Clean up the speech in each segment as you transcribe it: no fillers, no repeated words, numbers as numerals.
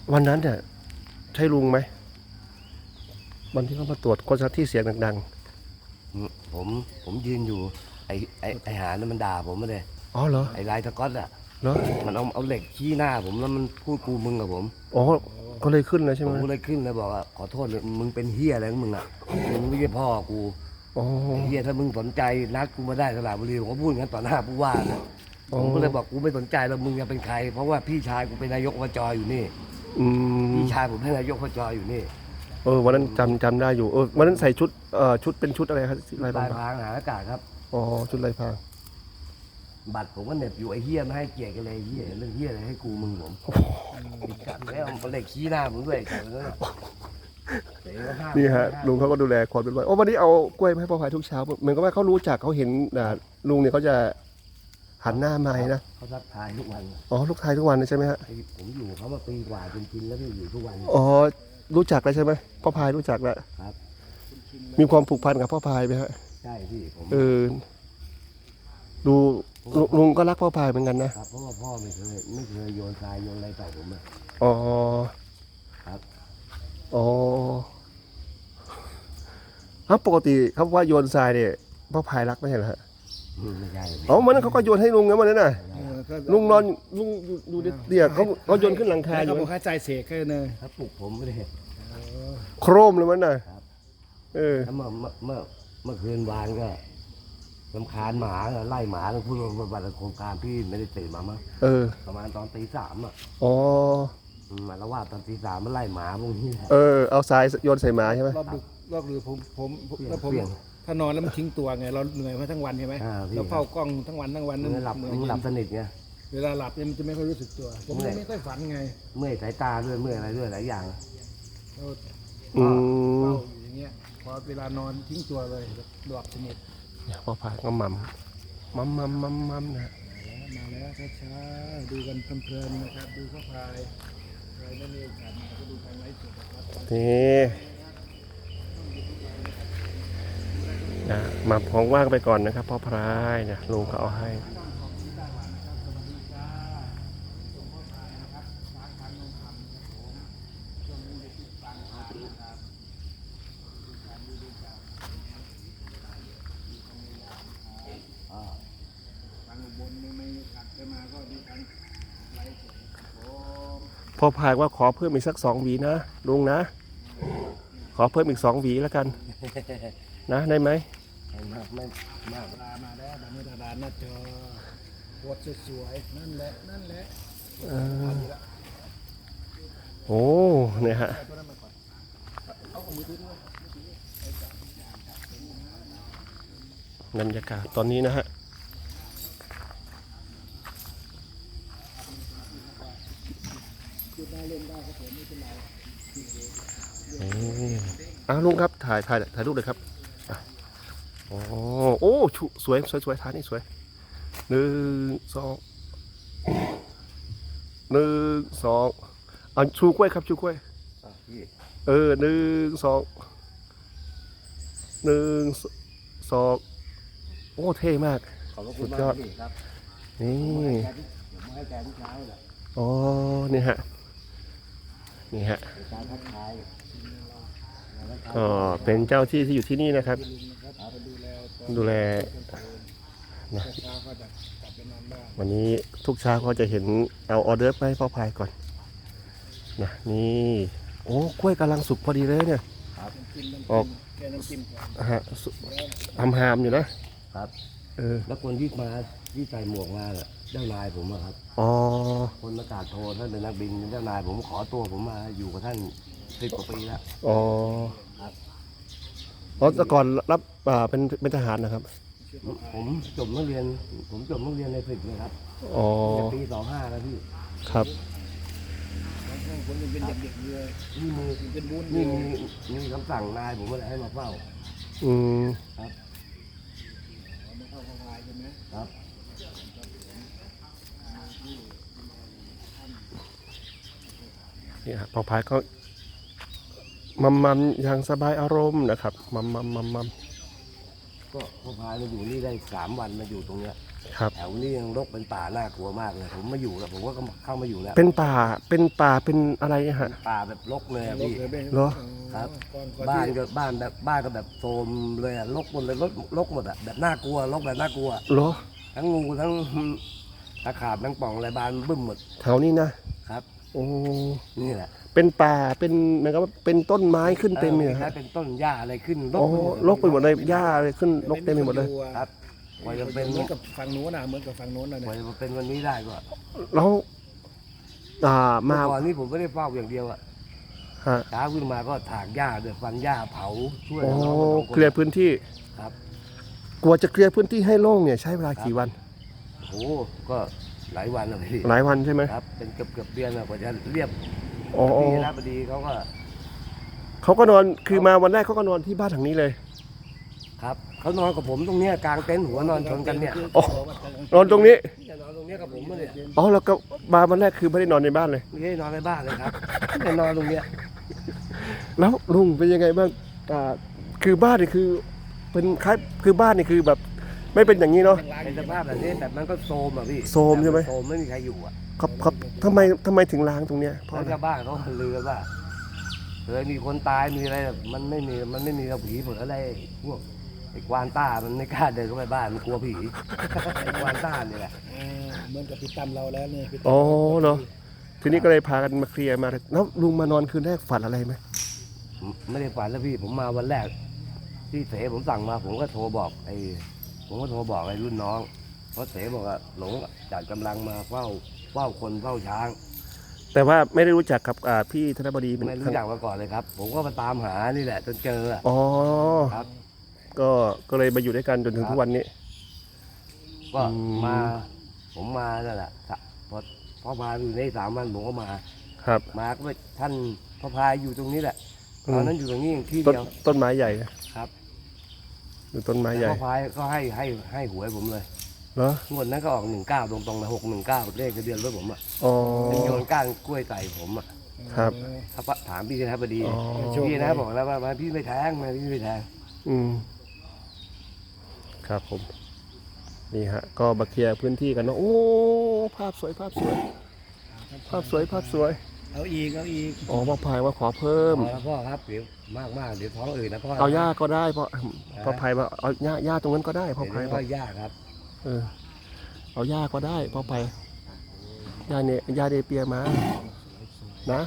วันนั้นเนี่ยใช่ลุงไหมวันที่เขามาตรวจคนที่เสียงดังผมผมยืนอยู่ไอหานั่นมันด่าผมมาเลยๆอ๋อเหรอไอลายสก๊อตอ่ะเหรอมันเอาเหล็กชี้หน้าผมแล้วมันพูดกูมึงกับผมอ๋อก็เลยขึ้นเลยใช่ไหผมมก็เลยขึ้นแล้วบอกว่าขอโทษเลยมึงเป็นเฮียอะไรของมึงอ่ะมึงไม่ใช่พ่อกูอ๋อไอ้เฮียถ้ามึงสนใจนัดกูมาได้สระบุรีผมก็พูดงั้นต่อหน้าผู้ว่านะอ๋อผมก็เลยบอกกูไม่สนใจแล้วมึงจะเป็นใครเพราะว่าพี่ชายกูเป็นนายกอบจอยู่นี่อืมพี่ชายผมเป็นนายกอบจอยู่นี่วันนั้นจำได้อยู่วันนั้นใส่ชุดชุดเป็นชุดอะไรครับลายปลายพรางพรางหาอากาศครับอ๋อชุดลายพรางบัตรผมก็เหน็บอยู่ไอ้เฮียไม่ให้เกียรติกันเลยไอ้เฮียเรื่องเฮียอะไรให้กูมึงผมติดกัดแล้วมันเหล็กชี้หน้าผมด้วยไอ้กัดแล้วนี่ฮะลุงเขาก็ดูแลความเรียบร้อยวันนี้เอากล้วยมาให้พ่อพายทุกเช้าเหมือนกับว่าเขารู้จักเขาเห็นลุงเนี่ยเขาจะหันหน้ามานะเขาทักทายทุกวันอ๋อลูกชายทุกวันเลยใช่ไหมฮะผมอยู่เขามาปีกว่าจนกินแล้วพี่อยู่ทุกวันอ๋อรู้จักแล้วใช่ไหมพ่อพายรู้จักแล้วครับมีความผูกพันกับพ่อพายไหมฮะใช่พี่ผมดูลุงก็รักพ่อพายเหมือนกันนะครับเพราะว่าพ่อไม่เคยโยนทรายโยนอะไรใส่ผมอะอ๋อครับอ๋อครับปกติเขาว่าโยนทรายเนี่ยพ่อพายรักไม่ใช่เหรอฮะไม่ใช่อ๋อวันนั้นเขาก็โยนให้ลุงนะวันนั้นน่ะลุงนอนลุงดูเดี๋ยวเขาโยนขึ้นหลังคาอยู่เขาบอกให้ใจเสกแค่เนยเขาปลุกผมไม่ได้โครมเลยมันน่ะแล้วเมื่อคืนวานก็รำคาญหมาไล่หมาแล้วพูดว่าบัตรโครงการพี่ไม่ได้ตื่นมามั้งประมาณตอนตี 3อ่ะอ๋อมาแล้วว่าตอนตี 3มันไล่หมาพวกนี้เอาทรายโยนใส่หมาใช่ไหมรอบดึกผมแล้วผมถ้านอนแล้วมันทิ้งตัวไงเราเหนื่อยมาทั้งวันใช่ไหมเราเฝ้ากล้องทั้งวันนั่นหลับสนิทไงเวลาหลับเนี่ยมันจะไม่ค่อยรู้สึกตัวผมไม่ค่อยฝันไงเมื่อยสายตาด้วยเมื่อยอะไรด้วยหลายอย่างเฝ้าอยู่อย่างเงี้ยพอเวลานอนทิ้งตัวเลยหลับสนิทพ่อพายก็มัมนะมาแล้วช้าๆดูกันเพลินๆนะครับดูพ่อพายใครไม่มีโอกาสมาก็ดูทางไลฟ์สดนะครับนี่นะมาพองว่างไปก่อนนะครับพ่อพายเนี่ยลุงเขาเอาให้พ่อพายว่าขอเพิ่มอีกสัก2 หวีนะลุงนะขอเพิ่มอีก2 หวีแล้วกันนะได้ไหมไม่มากมาแล้วมาในดานหน้าจอปวดสวยๆนั่นแหละโอ้เนี่ยฮะบรรยากาศตอนนี้นะฮะลุงครับถ่ายรูปเลยครับโอ้สวยถ่ายนี่สวย1 2ชูกล้วยครับชูกล้วย1 2 โอ้เท่มากสุดยอดนี่อ๋อนี่ฮะก็เป็นเจ้าที่อยู่ที่นี่นะครับดูแลนะวันนี้ทุกเช้าก็จะเห็นเอาออเดอร์ไปให้พ่อพายก่อนนะนี่โอ้กล้วยกำลังสุกพอดีเลยเนี่ยออกหามอยู่นะครับแล้วคนที่ใส่หมวกมาเจ้านายผมอะครับคนประกาศโทรท่านเป็นนักบินเจ้านายผมขอตัวผมมาอยู่กับท่าน10 กว่าปีแล้วแต่ก่อนรับเป็นทหารนะครับผมจบนักเรียนใน10นะครับปี25แล้วพี่ครับผมยังเป็นเด็กๆเลยนี่มีคำสั่งนายผมอะไรให้มาเฝ้าครับมาเข้าพ่อพายใช่ไหมครับนี่ฮะพ่อพายก็มัมอย่างสบายอารมณ์นะครับมัมก็พ่อพายมาอยู่นี่ได้3 วันมาอยู่ตรงเนี้ยครับแถวนี้ยังรกเป็นป่าน่ากลัวมากเลยผมมาอยู่แล้วผมก็เข้ามาอยู่แล้วเป็นป่าเป็นอะไรฮะป่าแบบรกเลยอะพี่เหรอครับก่อนบ้านที่ก็บ้านก็แบบโทรมเลยอะรกหมดเลยรกหมดอะแบบน่ากลัวรกแบบน่ากลัวเหรอทั้งงูทั้งตะขาบทั้งป่องอะไรบานบึ้มหมดแถวนี้นะครับ โอ้นี่แหละเป็นป่าเป็นเหมือนกับว่าเป็นต้นไม้ขึ้นเต็มเลยคคล้ารัยบเป็นต้นหญ้าอะไรขึ้นโอ้รกไปหมดเลยหญ้าเลยขึ้นรกเต็มไปหมดเลยครับกว่าจะเป็นเหมือนกับฝั่งโน้นนะเหมือนกับฝั่งโน้นนะกเนี่ว่าย จะเป็นวันนี้ได้ก็แล้วเมื่มาอก่อนนี้ผมไม่ได้เฝ้าอย่างเดียวอะฮะเช้าขึ้นมาก็ถากหญ้าเดือดฟันหญ้าเผาช่วยโอ้น้องๆเคลียร์พื้นที่ครับกลัวจะเคลียร์พื้นที่ให้โล่งเนี่ยใช้เวลากี่วันโอ้ก็หลายวันเลยพี่หลายวันใช่ไหมครับเป็นเกือบเดือนอะกว่าจะเรียบอ๋อพี่คณะบดีเขาก็นอนคือมาวันแรกเขาก็นอนที่บ้านหลังนี้เลยครับเขานอนกับผมตรงเนี้ยกลางเต็นท์หัวนอนชนกันเนี่ยอ๋อ นอนตรงนี้จะนอนตรงเนี้ยกับผมเนี่ยอ๋อแล้วก็มาวันแรกคือไม่ได้นอนในบ้านเลยไม่ได้นอนในบ้านเลยครับแต่นอนตรงเนี้ยแล้วลุงเป็นยังไงบ้างคือบ้านนี่คือเป็นคล้ายคือบ้านนี่คือแบบไม่เป็นอย่างนี้เนาะในสภาพแบบนี้แบบมันก็โซมอ่ะพี่โทรมใช่ไหมโซมไม่มีใครอยู่อ่ะครับทำไมถึงล้างตรงเนี้ยเพราะแล้วอะไรชาวบ้านเขาลือกันว่าเคยมีคนตายมีอะไรแบบมันไม่มีเราผีผลอะไรพวกไอ้กวานต้ามันไม่กล้าเดินเข้าไปบ้านมันกลัวผี ไอ้กวานต้านี่แหละเหมือนกับพี่ตั้มเราแล้วเนี่ยพี่ตั้มอ๋อเนาะทีนี้ก็เลยพากันมาเคลียร์มาแล้วลุงมานอนคืนแรกฝันอะไรไหมไม่ได้ฝันแล้วพี่ผมมาวันแรกที่เสผมสั่งมาผมก็โทรบอกไอ้รุ่นน้องเพราะเสบอกว่าหลงจัดกำลังมาเฝ้าคนเฝ้าช้างแต่ว่าไม่ได้รู้จักกับพี่ธนบดีเป็นไม่รู้จักมาก่อนเลยครับ ผมก็มาตามหานี่แหละจนเจออะอ๋อครับก็เลยมาอยู่ด้วยกันจนถึงทุกวันนี้ก็อืมมาผมมานั่นแหละพอพาอยู่ใน3 วันผมก็มาครับมาก็ไปท่านพระพายอยู่ตรงนี้แหละตอนนั้นอยู่ตรงนี้ที่ต้นเดียวต้นไม้ใหญ่นะครับ อยู่ต้นไม้ใหญ่พระพายก็ให้หวยผมเลยเหรองวดนั้นก็ออก19ตรงๆเลย619เลขทะเบียนรถผมอ่ะอ๋อเป็นโยนก้านกล้วยใส่ผมอ่ะครับถ้าถามพี่คณะบดีอ๋อพี่นะบอกแล้วว่าพี่ไม่แทงพี่ไม่แทงอืมครับผมนี่ฮะก็มาเคลียร์พื้นที่กันเนาะโอ้ภาพสวยภาพสวยเอาอีกอ๋อมาพายมาขอเพิ่มพอแล้วพ่อครับเดี๋ยวมากเดี๋ยวท้องอื่นนะพ่อเอาหญ้าก็ได้พ่อพายว่าเอาหญ้าตรงนั้นก็ได้พ่อพายเดี๋ยวบอก็กยากครับเอาหญ้าก็ได้พ่อพายหญ้าเนเปียมานะ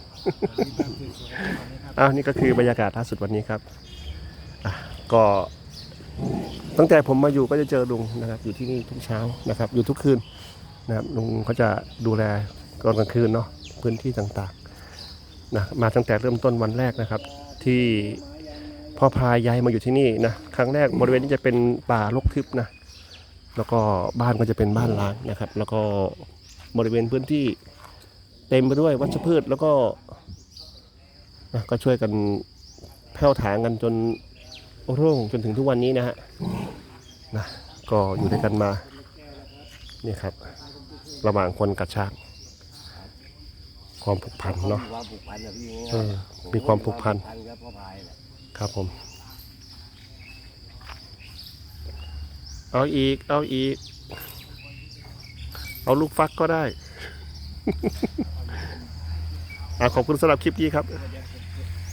อ้าวนี่ก็คือบรรยากาศล่าสุดวันนี้ครับก็ตั้งแต่ผมมาอยู่ก็จะเจอลุงนะครับอยู่ที่นี่ทุกเช้านะครับอยู่ทุกคืนนะครับลุงเขาจะดูแลตอนกลางคืนเนาะพื้นที่ต่างๆนะมาตั้งแต่เริ่มต้นวันแรกนะครับ ที่พ่อพายย้ายมาอยู่ที่นี่นะครั้งแรกบริเวณนี้จะเป็นป่ารกทึบนะแล้วก็บ้านก็จะเป็นบ้านร้างนะครับ แล้วก็บริเวณพื้นที่เต็มไปด้วยวัชพืชแล้วก็นะก็ช่วยกันแผ่วถางกันจนโร่งจนถึงทุกวันนี้นะฮะนะก็อยู่ด้วยกันมานี่ครับระหว่างคนกับช้างความผูกพันเนาะความผูกพันนะพี่มีความผูกพันกับพ่อพายแหละครับผมเอาอีกเอาลูกฟักก็ได้ ขอบคุณสำหรับคลิปนี้ครับ